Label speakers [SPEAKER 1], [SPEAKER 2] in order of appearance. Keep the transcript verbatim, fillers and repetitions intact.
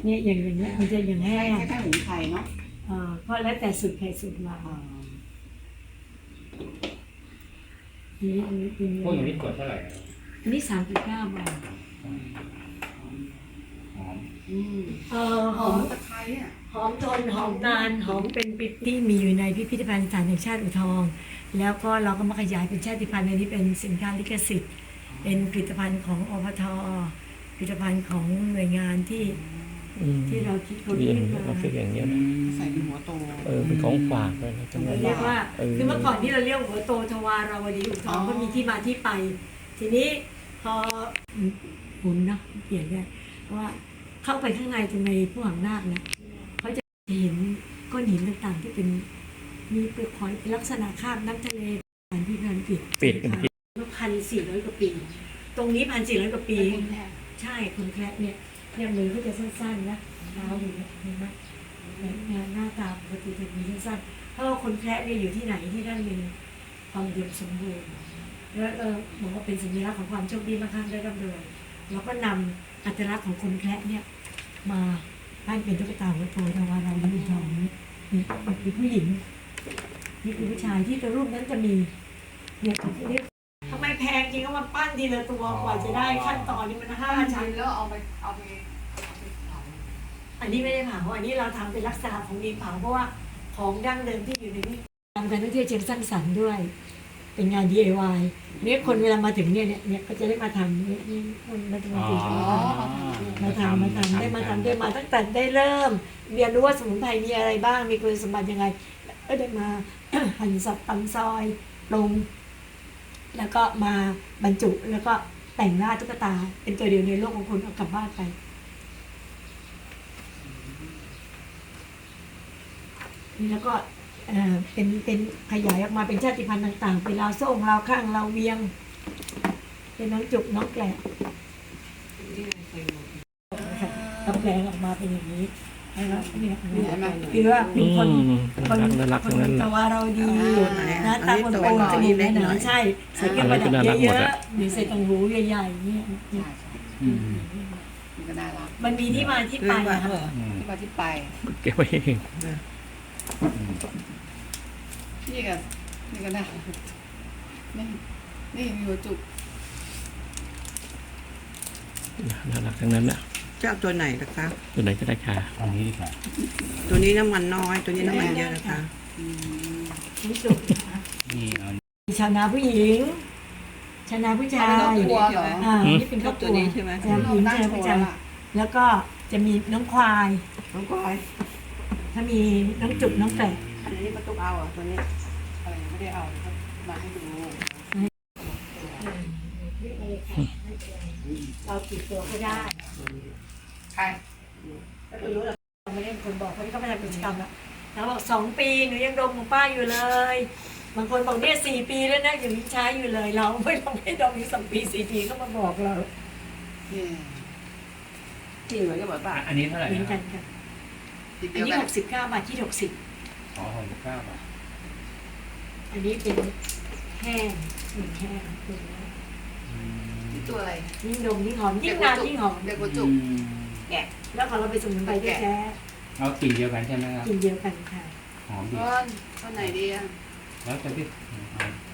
[SPEAKER 1] เนี่ยอย่างอย่างเงี้ยมันจะอย่างแห้ง
[SPEAKER 2] คล้ายๆหมูไทยเนาะ
[SPEAKER 1] เอ่อเพราะแล้วแต่สูตรใครสูตรมาทีนี้อันนี้เป็น
[SPEAKER 3] พวกอย่างนี้ขวดเท่าไหร่
[SPEAKER 1] อันนี้สามสิบเก้าบาท
[SPEAKER 3] หอม
[SPEAKER 2] อืม
[SPEAKER 1] เอ่อห
[SPEAKER 2] ห
[SPEAKER 1] อ
[SPEAKER 2] อ
[SPEAKER 1] ม
[SPEAKER 2] มตะไคร้อ่ะ
[SPEAKER 1] หอมทนหอมนานหอมเป็นปิดที่มีอยู่ในพิพิธภัณฑ์สถานแห่งชาติอู่ทอง แล้วก็เราก็มาขยายเป็นชาติพันธุ์อันนี้เป็นสินค้าลิขสิทธิ์ เป็นผลิตภัณฑ์ของอพทผลิตภัณฑ์ของหน่วยงานที่ที่เราคิดค้น
[SPEAKER 4] เรียน
[SPEAKER 1] ขึ้น
[SPEAKER 4] เรา
[SPEAKER 1] มา
[SPEAKER 4] คิดอย่างเงี้ยนะ
[SPEAKER 2] ใส่เป็นหัวโต
[SPEAKER 4] เออเป็นของฝากเลยนะจังหวะ
[SPEAKER 1] เรียกว่า
[SPEAKER 4] เออ
[SPEAKER 1] คือเมื่อก่อนที่เราเรียกหัวโตทวาราวดีอู่ทอง
[SPEAKER 2] อ๋อ
[SPEAKER 1] ก็มีที่มาที่ไป ทีนี้พอหมุนเนาะเปลี่ยนได้เพราะว่าเข้าไปข้างในตรงในผู้หางนาคเนี่ยเขาจะเห็นก้อนหินต่างๆ ที่เป็นมีเปลือกหอยเป็นลักษณะคราบน้ำทะเลอันที่พันปิด
[SPEAKER 4] ปิดกันปิด
[SPEAKER 1] พันสี่ร้อยกว่าปี ตรงนี้พันสี่ร้อยกว่าปี
[SPEAKER 2] เป็นคนแทน
[SPEAKER 1] ใช่คนแคระเนี่ยเนี่ยมือเขาจะสั้นๆนะเท้าอยู่เนี่ยเห็นไหมงานหน้าตาปกติจะมีสั้นๆเพราะว่าคนแคระเนี่ยอยู่ที่ไหนที่นั่นมีความอุดมสมบูรณ์แล้วเออบอกว่าเป็นสัญลักษณ์ของความโชคดีมากข้างได้ร่ำรวยเราก็นำอัตลักษณ์ของคนแคระเนี่ยมาปั้นเป็นตุ๊กตาหัวโตทวารเราดีทองนี่นี่คือผู้หญิงนี่คือผู้ชายที่ตัวรูปนั้นจะมีเนี่ยเรียกทำไมแพงจริงก็มาปั้นทีละตัวกว่าจะได้ขั้นตอนนี้มันห้า
[SPEAKER 2] ปั้น
[SPEAKER 1] ชั้น
[SPEAKER 2] ชิ้นแล้วเอาไปเอาไปเอาไปเผา
[SPEAKER 1] อันนี้ไม่ได้เผาอันนี้เราทำเป็นลักษณะของมีเผาเพราะว่าของดั้งเดิมที่อยู่ในนี้ทำการท่องเที่ยวเชิงสร้างสรรค์ด้วย เป็นงาน ดี ไอ วาย เนี่ยคนเวลามาถึงเนี่ยเนี่ยเนี่ยก็จะได้มาทำเนี่ยนี่คนมาทำ
[SPEAKER 3] อ๋อ
[SPEAKER 1] มาทำมาทำได้มาทำได้มาตั้งแต่ได้เริ่มเรียนรู้ว่าสมุนไพรมีอะไรบ้างมีคุณสมบัติยังไงก็ได้มา หั่นสับตำซอยปรุงแล้วก็มาบรรจุแล้วก็แต่งหน้าตุ๊กตา เป็นตัวเดียวในโลกของคุณเอากลับบ้านไป นี่แล้วก็เอ่อเป็นเป็นขยายออกมาเป็นชาติพันธุ์ต่างๆ เป็นลาวโซ่งลาวข้างลาวเวียง เป็นน้องจุกน้องแกลบนะคะตำแปลงออกมาเป็นอย่างนี้นะครับเนี่ยคือว่าเป็นคน
[SPEAKER 4] อืม
[SPEAKER 1] คน
[SPEAKER 4] น่ารัก
[SPEAKER 1] ค
[SPEAKER 4] ทั้
[SPEAKER 1] น
[SPEAKER 4] งนั้นแห
[SPEAKER 1] ตะ
[SPEAKER 4] ละ
[SPEAKER 1] วาเราดี
[SPEAKER 2] อ่า
[SPEAKER 1] หน้าตาคนโตจมูกหนาๆใช่ใส่เครื่องประดับ
[SPEAKER 4] อะไรก็น่ารักห
[SPEAKER 1] เย
[SPEAKER 4] มด
[SPEAKER 1] อะ
[SPEAKER 4] อะ
[SPEAKER 1] ๆหรือใส่ตังหูใหญ่ๆเนี่ยเนี่ย
[SPEAKER 3] อืม
[SPEAKER 2] มันก็น่ารัก
[SPEAKER 1] มันมีที่มาที่ไปนะคะ
[SPEAKER 3] อืม
[SPEAKER 2] ที่มาที่ไป
[SPEAKER 4] เก็บไว้เอง
[SPEAKER 2] นี่ก็นี่ก็น่ารักนี่นี่มีหัวจุก
[SPEAKER 4] น่ารักทั้งนั้นนะ
[SPEAKER 5] จะเอาตัวไหนล่ะคะ
[SPEAKER 4] ตัวไหนก็ได้ค่ะ
[SPEAKER 3] เอานี้ดีกว่า
[SPEAKER 5] ตัวนี้น้ำมันน้อย ตัวนี้น้ำมันเยอะนะคะ
[SPEAKER 2] อืม
[SPEAKER 1] นี่จุกนะคะ
[SPEAKER 3] นี่เอา
[SPEAKER 1] ชาวนาผู้หญิง ชาวนาผู้ชาย
[SPEAKER 2] เอาไปตัวเหรอ
[SPEAKER 1] อ่านี่เป็นครอบครัว
[SPEAKER 5] ตัวนี้ใช่ไหม
[SPEAKER 1] ชาวผู้หญิงชาวผู้ชายแล้วก็จะมีน้องควาย
[SPEAKER 5] น้องก้อย
[SPEAKER 1] ถ้ามีน้องจุกน้องแกะ
[SPEAKER 5] อันนี้มาตุกเอาอ่ะตัวนี้
[SPEAKER 2] อะไรไม่ได้เอาครับมาให้ดู
[SPEAKER 1] เรากี่ตัวก็ได้
[SPEAKER 2] ใคร
[SPEAKER 1] ก็ไม่รู้หรอกเราไม่ได้เป็นคนบอกเพราะนี่เขาไม่ทำกิจกรรมแล้วแล้วบอกสองปีหนูยังดมของป้าอยู่เลย บางคนบอกเนี่ยสี่ปีแล้วนะยังใช้อยู่เลย เราไม่ต้องให้ดมอยู่สองปีสี่ปีก็มาบอกเรา
[SPEAKER 2] นี่
[SPEAKER 5] จริงเหรอจะบอกป่ะ
[SPEAKER 3] อันนี้เท่าไหร่
[SPEAKER 1] เหมือน
[SPEAKER 3] นะ
[SPEAKER 1] กันค่ะ
[SPEAKER 2] ติด
[SPEAKER 1] อั
[SPEAKER 2] เดี
[SPEAKER 1] น
[SPEAKER 2] ยว
[SPEAKER 1] นี้
[SPEAKER 2] กัน
[SPEAKER 1] หกสิบเก้าบาทที่หกสิบ
[SPEAKER 3] อ๋อหกสิบเก้าบาท
[SPEAKER 1] อันนี้เป็นแห้งหนึ่งแห้งเป็น
[SPEAKER 3] อืม
[SPEAKER 2] นี่ตัวอะไร
[SPEAKER 1] ยิ่งดมยิ่งหอมยิ่งนานยิ่งหอม
[SPEAKER 2] เด็กหัวจุก
[SPEAKER 3] อืม
[SPEAKER 2] แกะ
[SPEAKER 1] แล้วของเราไปนสมุนไพรแท้
[SPEAKER 3] เอากลิ่นเดียวกันใช่ไหมครับ
[SPEAKER 1] ๆกินเดียวกันค่ะ
[SPEAKER 3] หอมดี
[SPEAKER 2] ก้อนก้อนไหนดีอ่ะ
[SPEAKER 3] แล้วจะพี่
[SPEAKER 1] อ